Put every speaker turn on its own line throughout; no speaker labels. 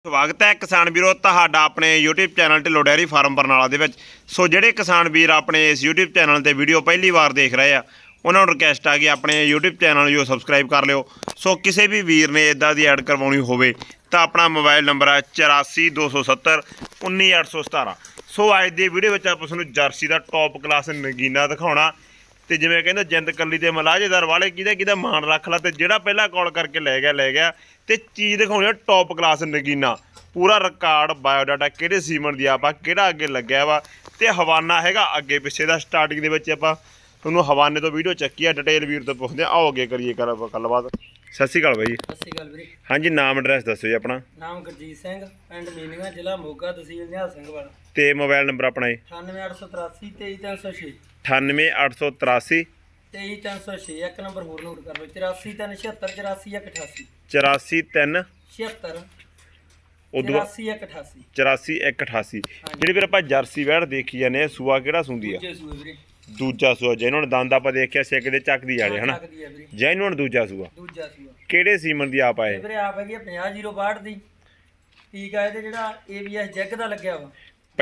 ਸਵਾਗਤ ਹੈ ਕਿਸਾਨ ਵੀਰੋ ਤੁਹਾਡਾ ਆਪਣੇ YouTube channel Dhillon dairy farm Barnala ਦੇ ਵਿੱਚ। ਸੋ ਜਿਹੜੇ ਕਿਸਾਨ ਵੀਰ ਆਪਣੇ ਇਸ YouTube ਚੈਨਲ ਤੇ ਵੀਡੀਓ ਪਹਿਲੀ ਵਾਰ ਦੇਖ ਰਹੇ ਆ ਉਹਨਾਂ ਨੂੰ ਰਿਕਵੈਸਟ ਆ ਕਿ ਆਪਣੇ YouTube ਚੈਨਲ ਨੂੰ ਸਬਸਕ੍ਰਾਈਬ ਕਰ ਲਿਓ। ਸੋ ਕਿਸੇ ਵੀ ਵੀਰ ਨੇ ਇਦਾਂ ਦੀ ਐਡ ਕਰਵਾਉਣੀ ਹੋਵੇ ਤਾਂ ਆਪਣਾ ਮੋਬਾਈਲ ਨੰਬਰ ਹੈ 84 270 19817। ਸੋ ਅੱਜ ਦੀ ਵੀਡੀਓ ਵਿੱਚ ਆਪਾਂ ਤੁਹਾਨੂੰ ਜਰਸੀ ਦਾ ਟੌਪ ਕਲਾਸ ਨਗੀਨਾ ਦਿਖਾਉਣਾ ਤੇ ਜਿਵੇਂ ਕਹਿੰਦੇ ਜਿੰਦ ਕੱਲੀ ਤੇ ਮਲਾਜੇਦਾਰ ਵਾਲੇ ਕਿਹਦਾ ਮਾਣ ਰੱਖ ਲਾ ਤੇ ਜਿਹੜਾ ਪਹਿਲਾਂ ਕਾਲ ਕਰਕੇ ਲੈ ਗਿਆ ਤੇ ਚੀਜ਼ ਦਿਖਾਉਣੀ ਟੌਪ ਕਲਾਸ ਨਗੀਨਾ ਪੂਰਾ ਰਿਕਾਰਡ ਬਾਇਓਡਾਟਾ ਕਿਹੜੇ ਸੀਮਨ ਦੀ ਆਪਾਂ ਕਿਹੜਾ ਅੱਗੇ ਲੱਗਿਆ ਵਾ ਤੇ ਹਵਾਨਾ ਹੈਗਾ ਅੱਗੇ ਪਿੱਛੇ ਦਾ। ਸਟਾਰਟਿੰਗ ਦੇ ਵਿੱਚ ਆਪਾਂ ਤੁਹਾਨੂੰ ਹਵਾਨੇ ਤੋਂ ਵੀਡੀਓ ਚੱਕੀ ਆ ਡਿਟੇਲ ਵੀਰ ਤੋਂ ਪੁੱਛਦੇ ਆਓ ਅੱਗੇ ਕਰੀਏ ਗੱਲਬਾਤ। ਸਤਿ ਸ਼੍ਰੀ ਅਕਾਲ ਬਾਈ ਜੀ।
ਸਤਿ ਸ਼੍ਰੀ ਅਕਾਲ ਵੀਰੇ।
ਹਾਂਜੀ ਨਾਮ ਐਡਰੈਸ ਦੱਸੋ ਜੀ ਆਪਣਾ।
ਨਾਮ ਗੁਰਜੀਤ ਸਿੰਘ, ਪਿੰਡ ਮੀਨੀਆਂ, ਜ਼ਿਲ੍ਹਾ ਮੋਗਾ, ਤਹਿਸੀਲ ਨਿਹਾਲ ਸਿੰਘ ਵਾਲਾ
ਤੇ ਮੋਬਾਈਲ ਨੰਬਰ ਆਪਣਾ ਜੀ
9883 23306
98883
23306। ਇੱਕ ਨੰਬਰ ਹੋਰ ਨੋਟ ਕਰ ਲਓ 84 376
84
76
ਉਦੋਂ
84
84 188। ਜਿਹੜੀ ਫਿਰ ਆਪਾਂ ਜਰਸੀ ਵੈੜ ਦੇਖੀ ਜਾਂਦੇ ਆ ਸੂਆ ਕਿਹੜਾ ਸੁੰਦੀ ਆ?
ਵੀਰੇ
ਦੂਜਾ ਸੂਆ ਜਿਹਨਾਂ ਨੇ ਦੰਦ ਆਪਾਂ ਦੇਖਿਆ ਸਿੱਕ ਦੇ ਚੱਕਦੀ ਵਾਲੇ ਹਨਾ ਜਿਹਨਾਂ ਦੂਜਾ ਸੂਆ ਕਿਹੜੇ ਸੀਮਨ ਦੀ ਆਪ ਆਏ
ਵੀਰੇ? ਆਪ ਹੈਗੀ 50-062 ਦੀ ਠੀਕ ਆ। ਇਹਦੇ ਜਿਹੜਾ ABS ਜੈਗ ਦਾ ਲੱਗਿਆ ਵਾ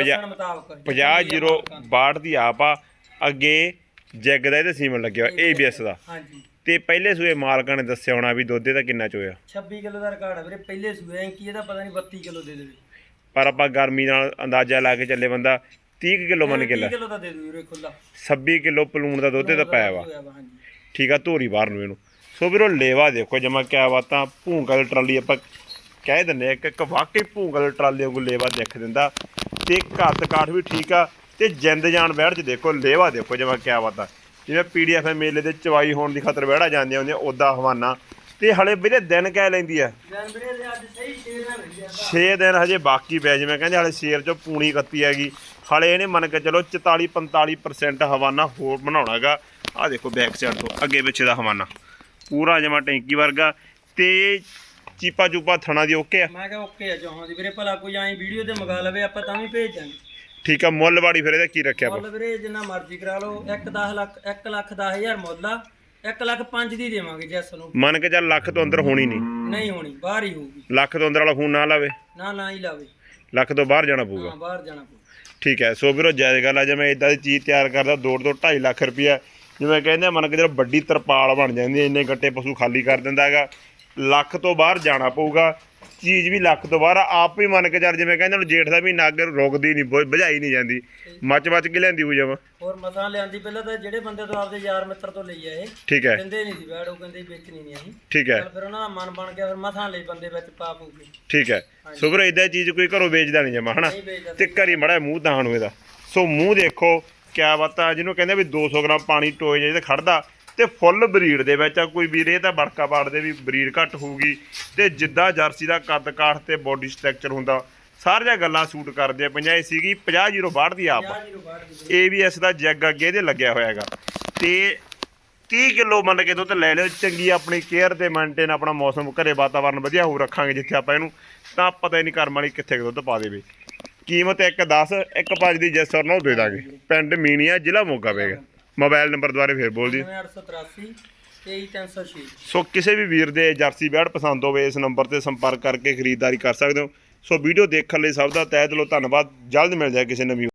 50-062 ਦੀ ਆਪ ਆ ਅੱਗੇ ਜੈਗ ਦਾ ਇਹਦੇ ਸੀਮਨ ਲੱਗਿਆ ਵਾ ABS ਦਾ।
ਹਾਂਜੀ
ਤੇ ਪਹਿਲੇ ਸੂਏ ਮਾਲਕਾਂ ਨੇ ਦੱਸਿਆ ਹੋਣਾ ਵੀ ਦੁੱਧ ਦਾ ਕਿੰਨਾ ਚੋਇਆ?
26 ਕਿਲੋ ਦਾ ਰਿਕਾਰਡ ਆ ਵੀਰੇ ਪਹਿਲੇ ਸੂਏ। ਐਂਕੀ ਇਹਦਾ ਪਤਾ ਨਹੀਂ 32 ਕਿਲੋ ਦੇ ਦੇਵੇ
ਪਰ ਆਪਾਂ ਗਰਮੀ ਨਾਲ ਅੰਦਾਜ਼ਾ ਲਾ ਕੇ ਚੱਲੇ ਬੰਦਾ 30 ਕਿਲੋ ਮੰਨ ਕੇ ਲੈ
30 ਕਿਲੋ ਦਾ ਦੇ ਦੂ ਵੀਰੇ ਖੁੱਲਾ
26 ਕਿਲੋ ਪਲੂਣ ਦਾ ਦੁੱਧ ਦਾ ਪਾਇਆ ਵਾ। ਠੀਕ ਆ ਧੋਰੀ ਬਾਹਰ ਨੂੰ ਇਹਨੂੰ। ਸੋ ਵੀਰੋ ਲੇਵਾ ਦੇਖੋ ਜਮਾ ਕਿਆ ਬਾਤਾਂ ਭੂੰਗਲ ਟਰਾਲੀ ਆਪਾਂ ਕਹਿ ਦਿੰਦੇ ਇੱਕ ਵਾਕਈ ਭੂੰਗਲ ਟਰਾਲੀ ਵਾਂਗੂ ਲੇਵਾ ਦਿਖ ਦਿੰਦਾ ਤੇ ਘੱਟ ਕਾਠ ਵੀ ਠੀਕ ਆ ਤੇ ਜਿੰਦ ਜਾਨ ਬੈਠ ਚ ਦੇਖੋ ਲੇਵਾ ਦੇਖੋ ਜਮਾ ਕਿਆ ਬਾਤਾਂ ਜਿਵੇਂ PDF ਮੇਲੇ ਦੇ ਚਵਾਈ ਹੋਣ ਦੀ ਖਾਤਰ ਬਹਿੜਾ ਜਾਂਦੀਆਂ ਹੁੰਦੀਆਂ ਉੱਦਾਂ ਹਵਾਨਾ। ਤੇ ਹਲੇ ਵੀਰੇ ਦਿਨ ਕਹਿ ਲੈਂਦੀ ਆ 6 ਦਿਨ ਹਜੇ ਬਾਕੀ ਪਿਆ। ਜਿਵੇਂ ਕਹਿੰਦੇ ਹਲੇ ਸ਼ੇਰ ਚੋਂ ਪੂਣੀ ਕੱਤੀ ਹੈਗੀ ਹਲੇ ਇਹਨੇ ਮੰਨ ਕੇ ਚਲੋ 44-45% ਹਵਾਨਾ ਹੋਰ ਬਣਾਉਣਾ ਹੈਗਾ। ਆਹ ਦੇਖੋ ਬੈਕ ਸਾਈਡ ਤੋਂ ਅੱਗੇ ਪਿੱਛੇ ਦਾ ਹਵਾਨਾ ਪੂਰਾ ਜਮਾ ਟੈਂਕੀ ਵਰਗਾ ਤੇ ਚੀਪਾ ਚੂਪਾ ਥਣਾ ਦੀ ਓਕੇ ਆ।
ਮੈਂ ਕਿਹਾ ਓਕੇ ਆ ਜਹਾਂ ਦੀ ਵੀਰੇ ਭਲਾ ਕੋਈ ਐਂ ਵੀਡੀਓ ਤੇ ਮੰਗਾ ਲਵੇ ਆਪਾਂ ਤਾਂ ਵੀ ਭੇਜ ਦਾਂਗੇ।
ਠੀਕ ਆ ਮੁੱਲ ਵਾੜੀ ਫਿਰ ਇਹਦਾ ਕੀ ਰੱਖਿਆ?
ਮੁੱਲ ਵੀਰੇ ਜਿੰਨਾ ਮਰਜ਼ੀ ਕਰਾ ਲਓ 1,10,000 ਮੁੱਲ ਆ 1,05,000 ਦੀ ਦੇਵਾਂਗੇ ਜੈਸ ਨੂੰ।
ਮੰਨ ਕੇ ਚੱਲ ਲੱਖ ਤੋਂ ਅੰਦਰ ਹੋਣੀ
ਨਹੀਂ ਹੋਣੀ ਬਾਹਰ ਹੀ ਹੋਊਗੀ।
ਲੱਖ ਤੋਂ ਅੰਦਰ ਵਾਲਾ ਫੋਨ ਨਾ ਲਾਵੇ
ਨਾ ਹੀ ਲਾਵੇ
ਲੱਖ ਤੋਂ ਬਾਹਰ ਜਾਣਾ ਪਊਗਾ।
ਹਾਂ ਬਾਹਰ ਜਾਣਾ ਪਊ।
ਠੀਕ ਹੈ। ਸੋ ਵੀਰੋ ਜਾਇਜ਼ ਗੱਲ ਆ ਜਿਵੇਂ ਇਦਾਂ ਦੀ ਚੀਜ਼ ਤਿਆਰ ਕਰਦਾ 2.5 ਲੱਖ ਰੁਪਈਆ ਜਿਵੇਂ ਕਹਿੰਦੇ ਮੰਨ ਕੇ ਜਦੋਂ ਵੱਡੀ ਤਰਪਾਲ ਬਣ ਜਾਂਦੀ ਇੰਨੇ ਗੱਟੇ ਪਸ਼ੂ ਖਾਲੀ ਕਰ ਦਿੰਦਾ ਹੈਗਾ ਲੱਖ ਤੋਂ ਬਾਹਰ ਜਾਣਾ ਪਊਗਾ। ਚੀਜ਼ ਵੀ ਲੱਖ ਤੋਂ ਬਾਹਰ ਆਪ ਵੀ ਮੰਨ ਕੇ ਚੱਲ ਜਿਵੇਂ ਕਹਿੰਦੇ ਨੂੰ ਜੇਠ ਦਾ ਮਹੀਨਾ ਅੱਗੇ ਰੁਕਦੀ ਨਹੀਂ ਬੁਝਾਈ ਨਹੀਂ ਜਾਂਦੀ ਮੱਚ ਕੇ ਲੈਂਦੀ ਹੋ ਜਾਵਾਂ।
ਹੋਰ ਮਸਾਂ ਲਿਆਂਦੀ ਪਹਿਲਾਂ ਤਾਂ ਜਿਹੜੇ ਬੰਦੇ ਤੋਂ ਆਪਦੇ ਯਾਰ ਮਿੱਤਰ ਤੋਂ ਲਈ ਆ ਇਹ
ਠੀਕ ਹੈ
ਕਹਿੰਦੇ ਨਹੀਂ ਸੀ ਬੈੜ ਉਹ ਕਹਿੰਦੇ ਵੇਚਣੀ ਨਹੀਂ ਅਸੀਂ।
ਠੀਕ ਹੈ
ਫਿਰ ਉਹਨਾਂ ਦਾ ਮਨ ਬਣ ਗਿਆ ਫਿਰ ਮਸਾਂ ਲਈ ਬੰਦੇ ਵਿੱਚ ਪਾ ਪੂਗੇ।
ਠੀਕ ਹੈ। ਸੋ ਵੀਰੋ ਇਦਾਂ ਚੀਜ਼ ਕੋਈ ਘਰੋਂ ਵੇਚਦਾ ਨਹੀਂ ਜਮਾ ਹਨਾ ਤੇ ਘਰੀ ਮੜਾ ਮੂੰਹ ਦਾਣ ਨੂੰ ਇਹਦਾ। ਸੋ ਮੂੰਹ ਦੇਖੋ ਕਿਆ ਬਾਤਾਂ ਜਿਹਨੂੰ ਕਹਿੰਦੇ ਵੀ 200 ਗ੍ਰਾਮ ਪਾਣੀ ਟੋਏ ਜੇ ਤੇ ਖੜਦਾ ਤੇ ਫੁੱਲ ਬਰੀਡ ਦੇ ਵਿੱਚ ਆ। ਕੋਈ ਵੀਰੇ ਤਾਂ ਬੜਕਾ ਪਾੜਦੇ ਵੀ ਬਰੀਡ ਘੱਟ ਹੋਊਗੀ ਤੇ ਜਿੱਦਾਂ ਜਰਸੀ ਦਾ ਕੱਦ ਕਾਠ ਤੇ ਬੋਡੀ ਸਟਰਕਚਰ ਹੁੰਦਾ ਸਾਰੀਆਂ ਗੱਲਾਂ ਸੂਟ ਕਰਦੇ ਆ। 50 ਸੀਗੀ 50-062 ਦੀ ਆਪ ABS ਦਾ ਜੈਗ ਅੱਗੇ ਇਹਦੇ ਲੱਗਿਆ ਹੋਇਆ ਹੈਗਾ ਤੇ 30 ਕਿਲੋ ਮੰਨ ਕੇ ਦੁੱਧ ਲੈ ਲਿਓ। ਚੰਗੀ ਆਪਣੀ ਕੇਅਰ ਤੇ ਮੇਨਟੇਨ ਆਪਣਾ ਮੌਸਮ ਘਰੇ ਵਾਤਾਵਰਨ ਵਧੀਆ ਹੋ ਰੱਖਾਂਗੇ ਜਿੱਥੇ ਆਪਾਂ ਇਹਨੂੰ ਤਾਂ ਪਤਾ ਹੀ ਨਹੀਂ ਕਰਮ ਵਾਲੀ ਕਿੱਥੇ ਦੁੱਧ ਪਾ ਦੇਵੇ। ਕੀਮਤ 1,10 1,5 ਦੀ ਜੈਸ ਔਰ ਨੋ ਦੇ ਦਾਂਗੇ। ਪਿੰਡ ਮੀਨੀਆਂ ਜ਼ਿਲ੍ਹਾ ਮੋਗਾ ਪਏਗਾ। ਮੋਬਾਈਲ ਨੰਬਰ ਦੁਆਰੇ ਫੇਰ ਬੋਲ ਦੀ
9883 23306।
ਸੋ ਕਿਸੇ ਵੀ ਵੀਰ ਦੇ ਜਰਸੀ ਬੈੜ ਪਸੰਦ ਹੋਵੇ ਇਸ ਨੰਬਰ ਤੇ ਸੰਪਰਕ ਕਰਕੇ ਖਰੀਦਦਾਰੀ ਕਰ ਸਕਦੇ ਹੋ। ਸੋ ਵੀਡੀਓ ਦੇਖਣ ਲਈ ਸਭ ਦਾ ਤਹਿ ਦਿਲੋਂ ਧੰਨਵਾਦ। ਜਲਦ ਮਿਲ ਜਾਏ ਕਿਸੇ ਨਵੀਂ